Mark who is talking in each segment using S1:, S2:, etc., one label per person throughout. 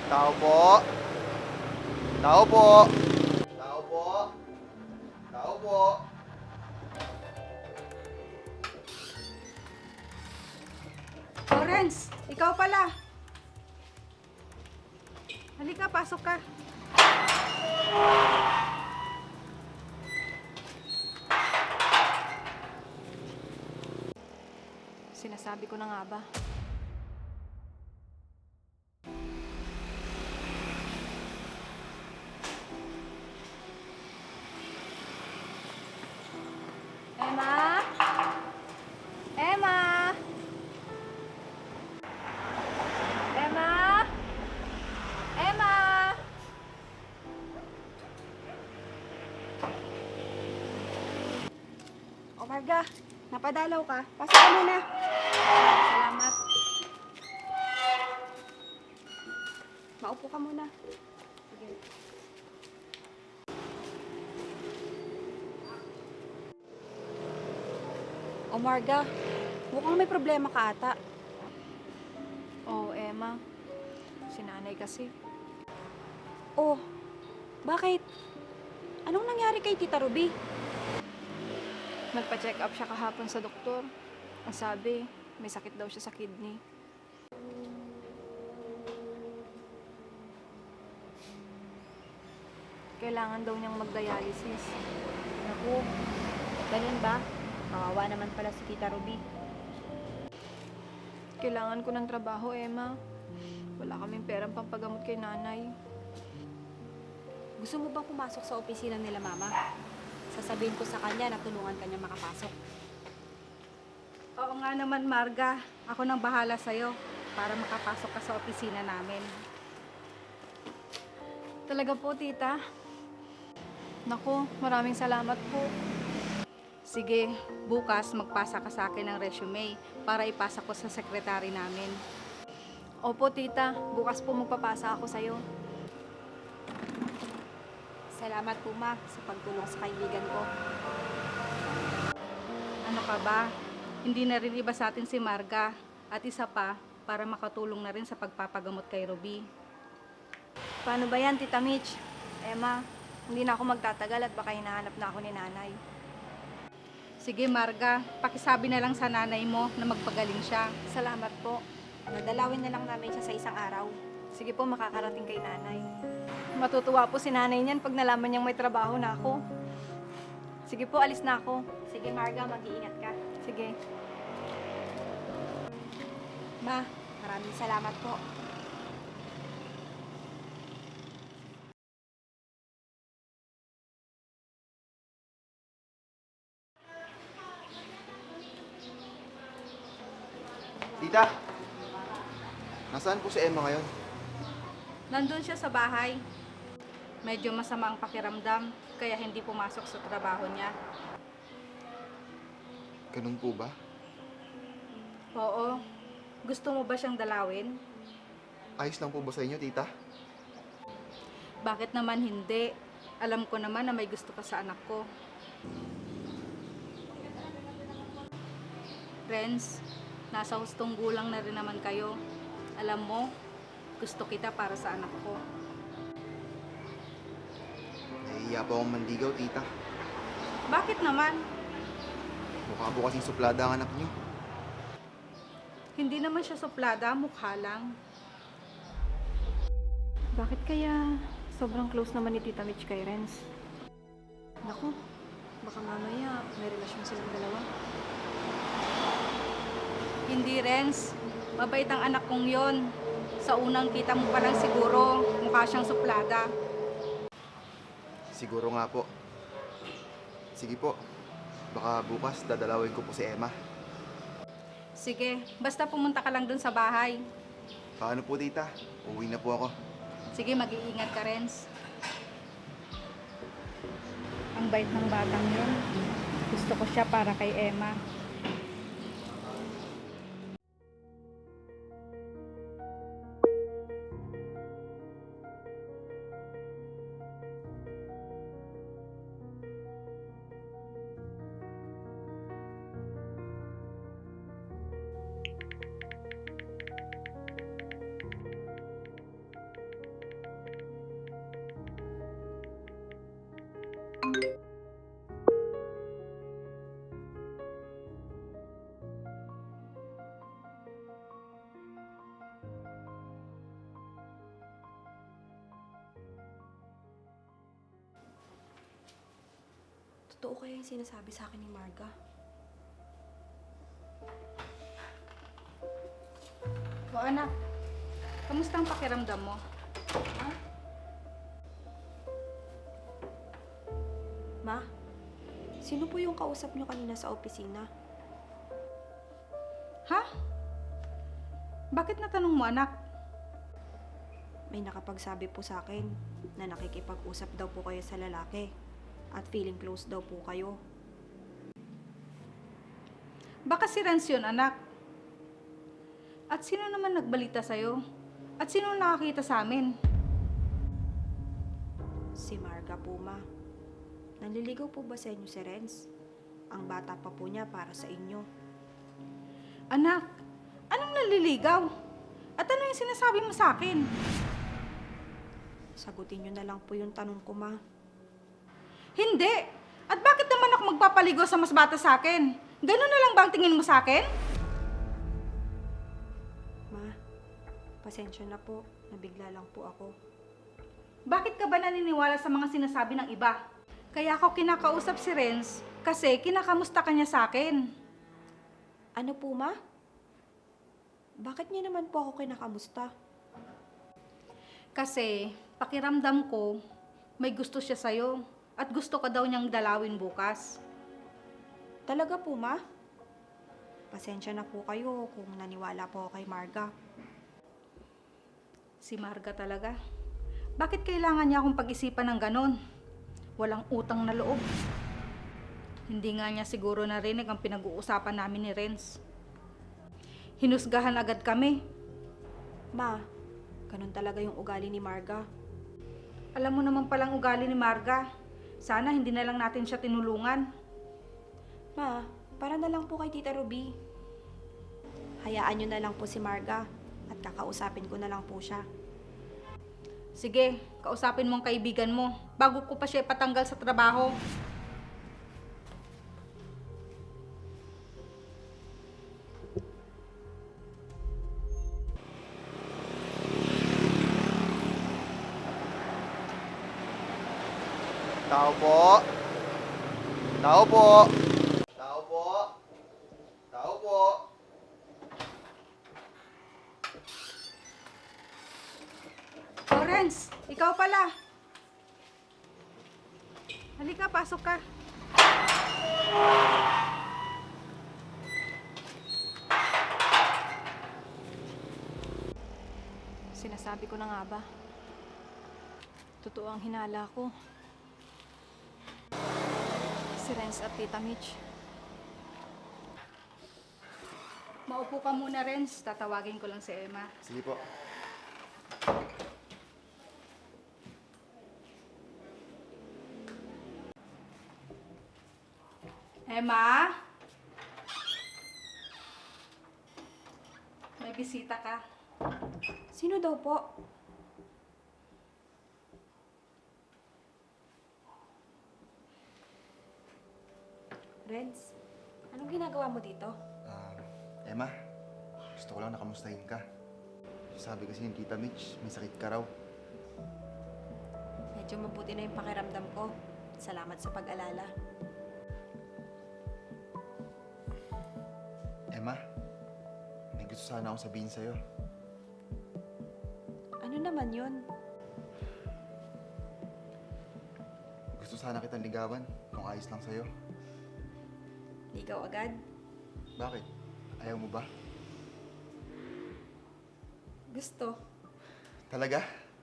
S1: Tao po. Tao po. Tao po. Tao po.
S2: Lawrence, ikaw pala. Halika, pasok ka.
S3: Sinasabi ko na nga ba? Emma? Emma? Emma? Emma?
S2: O Marga, napadalaw ka. Pasok ka muna.
S3: Salamat.
S2: Maupo ka muna. Sige. O Marga, mukhang may problema ka ata.
S3: Oh, Emma. Si nanay kasi.
S2: Oh, bakit? Anong nangyari kay Tita Ruby?
S3: Nagpa-check up siya kahapon sa doktor. Ang sabi, may sakit daw siya sa kidney. Kailangan daw niyang mag-dialysis.
S4: Naku, ganun ba? Kawawa naman pala si Tita Ruby.
S3: Kailangan ko ng trabaho, Emma. Wala kaming perang pampagamot kay nanay.
S4: Gusto mo bang pumasok sa opisina nila, Mama? Sasabihin ko sa kanya na tulungan kanya makapasok.
S2: Oo nga naman, Marga. Ako nang bahala sa'yo para makapasok ka sa opisina namin.
S3: Talaga po, tita. Naku, maraming salamat po.
S2: Sige, bukas magpasa ka sa akin ng resume para ipasa ko sa sekretary namin.
S3: Opo, tita. Bukas po magpapasa ako sa'yo.
S4: Salamat po, Ma, sa pagtulong sa kaibigan ko.
S2: Ano ka ba? Hindi na rin iba sa atin si Marga. At isa pa, para makatulong na rin sa pagpapagamot kay Ruby.
S3: Paano ba yan, Tita Mitch? Emma, hindi na ako magtatagal at baka hinahanap na ako ni nanay.
S2: Sige, Marga, pakisabi na lang sa nanay mo na magpagaling siya.
S3: Salamat po.
S4: Nadalawin na lang namin siya sa isang araw.
S3: Sige po, makakarating kay nanay. Matutuwa po si nanay niyan pag nalaman niyang may trabaho na ako. Sige po, alis na ako.
S4: Sige, Marga, mag-iingat ka.
S3: Sige.
S4: Ma, maraming salamat po.
S1: Tita, nasaan po si Emma ngayon?
S2: Nandun siya sa bahay. Medyo masama ang pakiramdam, kaya hindi pumasok sa trabaho niya.
S1: Ganun po ba?
S2: Oo. Gusto mo ba siyang dalawin?
S1: Ayos lang po ba sa inyo, tita?
S2: Bakit naman hindi? Alam ko naman na may gusto ka sa anak ko. Friends, nasa hustong gulang na rin naman kayo. Alam mo, gusto kita para sa anak ko.
S1: Nahihiya po akong mandigaw, tita.
S2: Bakit naman?
S1: Mukha po kasing suplada ang anak niyo.
S2: Hindi naman siya suplada, mukha lang.
S3: Bakit kaya sobrang close naman ni Tita Mitch kay Renz? Naku, baka mamaya may relasyon silang dalawa.
S2: Hindi, Renz. Mabait ang anak kong yon. Sa unang kita mo pa lang siguro, mukha siyang suplada.
S1: Siguro nga po. Sige po. Baka bukas dadalawin ko po si Emma.
S2: Sige, basta pumunta ka lang dun sa bahay.
S1: Paano po, tita? Uwi na po ako.
S2: Sige, mag-iingat ka, Renz. Ang bait ng batang yun. Gusto ko siya para kay Emma.
S4: Totoo kaya yung sinasabi sa akin ni Marga?
S2: O anak, kamusta ang pakiramdam mo?
S4: Ma, sino po yung kausap niyo kanina sa opisina?
S2: Ha? Bakit natanong mo, anak?
S4: May nakapagsabi po sa akin na nakikipag-usap daw po kayo sa lalaki at feeling close daw po kayo.
S2: Baka si Renz yun, anak. At sino naman nagbalita sa'yo? At sino nakakita sa amin?
S4: Si Marga po, Ma. Nanliligaw po ba sa inyo si Renz? Ang bata pa po niya para sa inyo.
S2: Anak, anong naliligaw? At ano yung sinasabi mo sa akin?
S4: Sagutin niyo na lang po yung tanong ko, Ma.
S2: Hindi! At bakit naman ako magpapaligo sa mas bata sa akin? Ganun na lang ba ang tingin mo sa akin?
S4: Ma, pasensya na po. Nabigla lang po ako.
S2: Bakit ka ba naniniwala sa mga sinasabi ng iba? Kaya ako kinakausap si Renz kasi kinakamusta ka niya sa akin.
S4: Ano po, Ma? Bakit niyo naman po ako kinakamusta?
S2: Kasi pakiramdam ko may gusto siya sa'yo at gusto ka daw niyang dalawin bukas.
S4: Talaga po, Ma? Pasensya na po kayo kung naniwala po ako kay Marga.
S2: Si Marga talaga. Bakit kailangan niya akong pag-isipan ng ganon? Walang utang na loob. Hindi nga niya siguro narinig ang pinag-uusapan namin ni Renz. Hinusgahan agad kami.
S4: Ma, ganun talaga yung ugali ni Marga.
S2: Alam mo naman palang ugali ni Marga. Sana hindi na lang natin siya tinulungan.
S4: Ma, para na lang po kay Tita Ruby. Hayaan niyo na lang po si Marga at kakausapin ko na lang po siya.
S2: Sige, kausapin mo ang kaibigan mo bago ko pa siya ipatanggal sa trabaho.
S1: Tao po. Tao po. Tao po. Tao po.
S2: Oh, Renz, ikaw pala. Halika, pasok ka.
S3: Sinasabi ko na nga ba? Totoo ang hinala ko. Si Renz at Tita Mitch.
S2: Maupo ka muna, Renz. Tatawagin ko lang si Emma.
S1: Sige po.
S2: Emma? May bisita ka.
S4: Sino daw po? Renz, anong ginagawa mo dito?
S1: Emma, gusto ko lang nakamustahin ka. Sabi kasi ni Tita Mitch, may sakit ka raw.
S4: Medyo mabuti na yung pakiramdam ko. Salamat sa pag-alala.
S1: Emma, may gusto sana akong sabihin sa'yo.
S4: Ano naman yun?
S1: Gusto sana kitang ligawan kung ayos lang sa'yo.
S4: Ligaw agad?
S1: Bakit? Ayaw mo ba?
S4: Gusto.
S1: Talaga?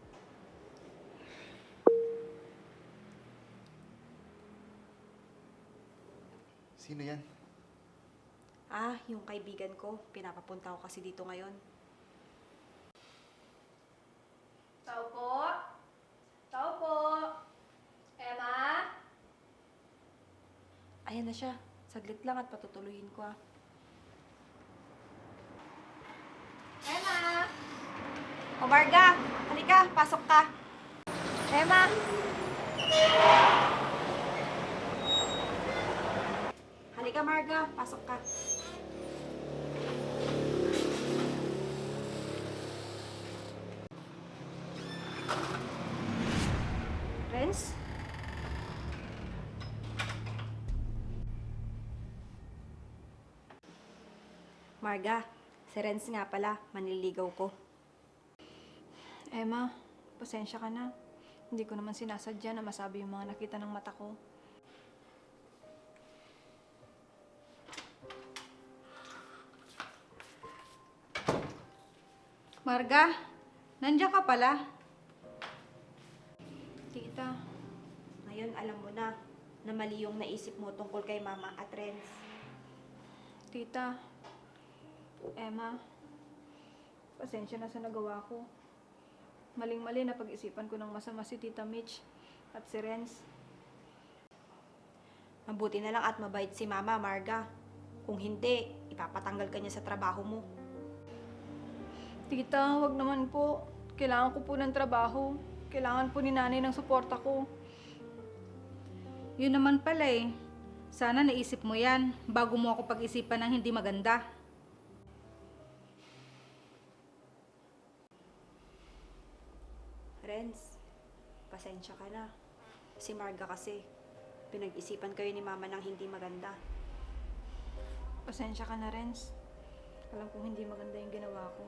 S1: Sino yan?
S4: Ah, yung kaibigan ko. Pinapapunta ko kasi dito ngayon.
S3: Tao po? Tao po? Emma?
S4: Ayan na siya. Saglit lang at patutuloyin ko ah.
S3: Emma?
S4: O Marga, halika, pasok ka.
S3: Emma?
S4: Halika, Marga. Pasok ka. Renz? Marga, si Renz nga pala, manliligaw ko.
S3: Emma, pasensya ka na. Hindi ko naman sinasadya na masabi yung mga nakita ng mata ko.
S2: Marga, nandiyan ka pala.
S3: Tita,
S4: Ngayon, alam mo na mali yung naisip mo tungkol kay Mama at Renz.
S3: Tita, Emma, pasensya na sa nagawa ko. Maling-mali na pag-isipan ko ng masama si Tita Mitch at si Renz.
S4: Mabuti na lang at mabait si Mama, Marga. Kung hindi, ipapatanggal ka niya sa trabaho mo.
S3: Tita, wag naman po. Kailangan ko po ng trabaho. Kailangan po ni nanay ng suporta ko.
S2: Yun naman pala eh. Sana naisip mo yan bago mo ako pag-isipan ng hindi maganda.
S4: Renz, pasensya ka na. Si Marga kasi, pinag-isipan kayo ni Mama ng hindi maganda.
S3: Pasensya ka na, Renz. Alam kong hindi maganda yung ginawa ko.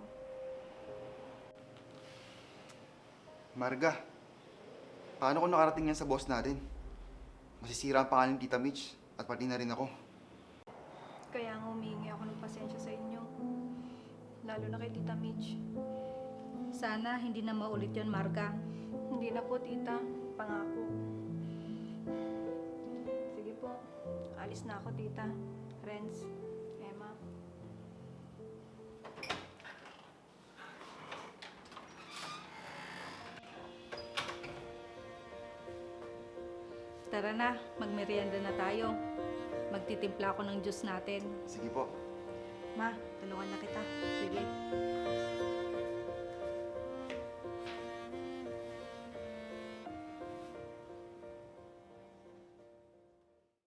S1: Marga, paano kung nakarating yan sa boss natin? Masisira ang pangalan ni Tita Mitch at pati na rin ako.
S3: Kaya nga humingi ako ng pasensya sa inyo. Lalo na kay Tita Mitch.
S2: Sana hindi na maulit yon, Marga.
S3: Hindi na po, Tita. Pangako. Sige po. Alis na ako, Tita. Renz, Emma.
S2: Tara na, magmerienda na tayo. Magtitimpla ako ng juice natin.
S1: Sige po.
S4: Ma, tulungan na kita.
S2: Sige.